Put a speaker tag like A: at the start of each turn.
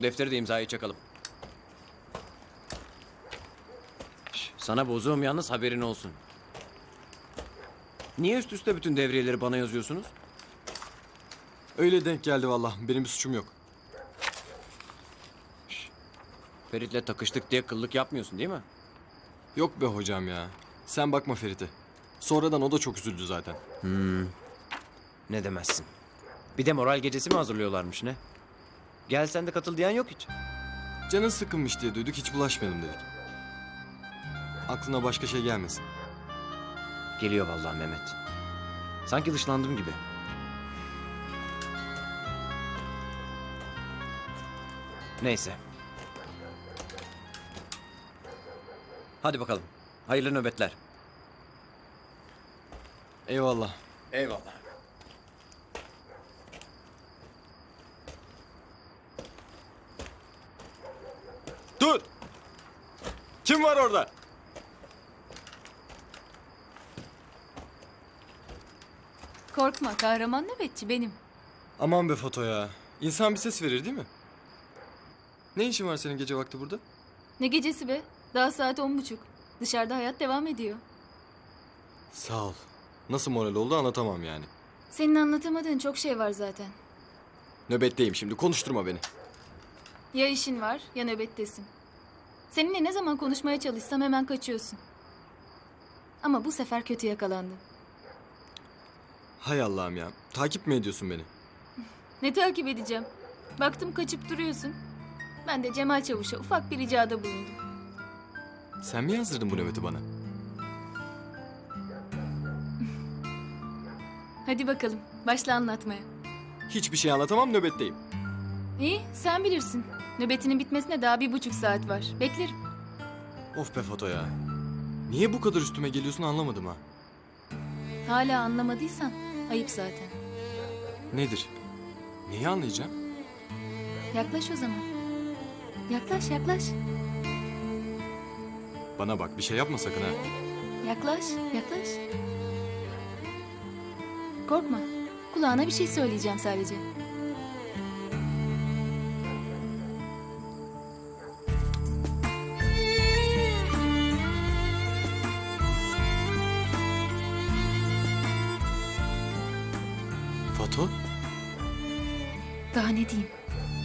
A: Defteri de imzayı çakalım. Sana bozuğum yalnız, haberin olsun. Niye üst üste bütün devriyeleri bana yazıyorsunuz?
B: Öyle denk geldi vallahi. Benim bir suçum yok.
A: Ferit'le takıştık diye kıllık yapmıyorsun değil mi?
B: Yok be hocam ya. Sen bakma Ferit'e. Sonradan o da çok üzüldü zaten.
A: Ne demezsin. Bir de moral gecesi mi hazırlıyorlarmış ne? Gel sen de katıl diyen yok hiç.
B: Canın sıkılmış diye duyduk, hiç bulaşmayalım dedik. Aklına başka şey gelmesin.
A: Geliyor vallahi Mehmet. Sanki dışlandım gibi. Neyse. Hadi bakalım. Hayırlı nöbetler.
B: Eyvallah.
A: Eyvallah.
B: Dur! Kim var orada?
C: Korkma, kahraman nöbetçi benim.
B: Aman be Foto ya. İnsan bir ses verir değil mi? Ne işin var senin gece vakti burada?
C: Ne gecesi be? Daha saat 10.30. Dışarıda hayat devam ediyor.
B: Sağ ol. Nasıl moral oldu anlatamam yani.
C: Senin anlatamadığın çok şey var zaten.
B: Nöbetteyim şimdi, konuşturma beni.
C: Ya işin var ya nöbettesin. Seninle ne zaman konuşmaya çalışsam hemen kaçıyorsun. Ama bu sefer kötü yakalandın.
B: Hay Allah'ım ya. Takip mi ediyorsun beni?
C: Ne takip edeceğim? Baktım kaçıp duruyorsun. Ben de Cemal Çavuş'a ufak bir ricada bulundum.
B: Sen mi yazdırdın bu nöbeti bana?
C: Hadi bakalım, başla anlatmaya.
B: Hiçbir şey anlatamam, nöbetteyim.
C: İyi, sen bilirsin. Nöbetinin bitmesine daha 1,5 saat var. Beklerim.
B: Of be Foto ya. Niye bu kadar üstüme geliyorsun anlamadım ha.
C: Hala anlamadıysan ayıp zaten.
B: Nedir? Neyi anlayacağım?
C: Yaklaş o zaman. Yaklaş, yaklaş.
B: Bana bak, bir şey yapma sakın ha.
C: Yaklaş, yaklaş. Korkma. Kulağına bir şey söyleyeceğim sadece.
B: Foto?
C: Daha ne diyeyim?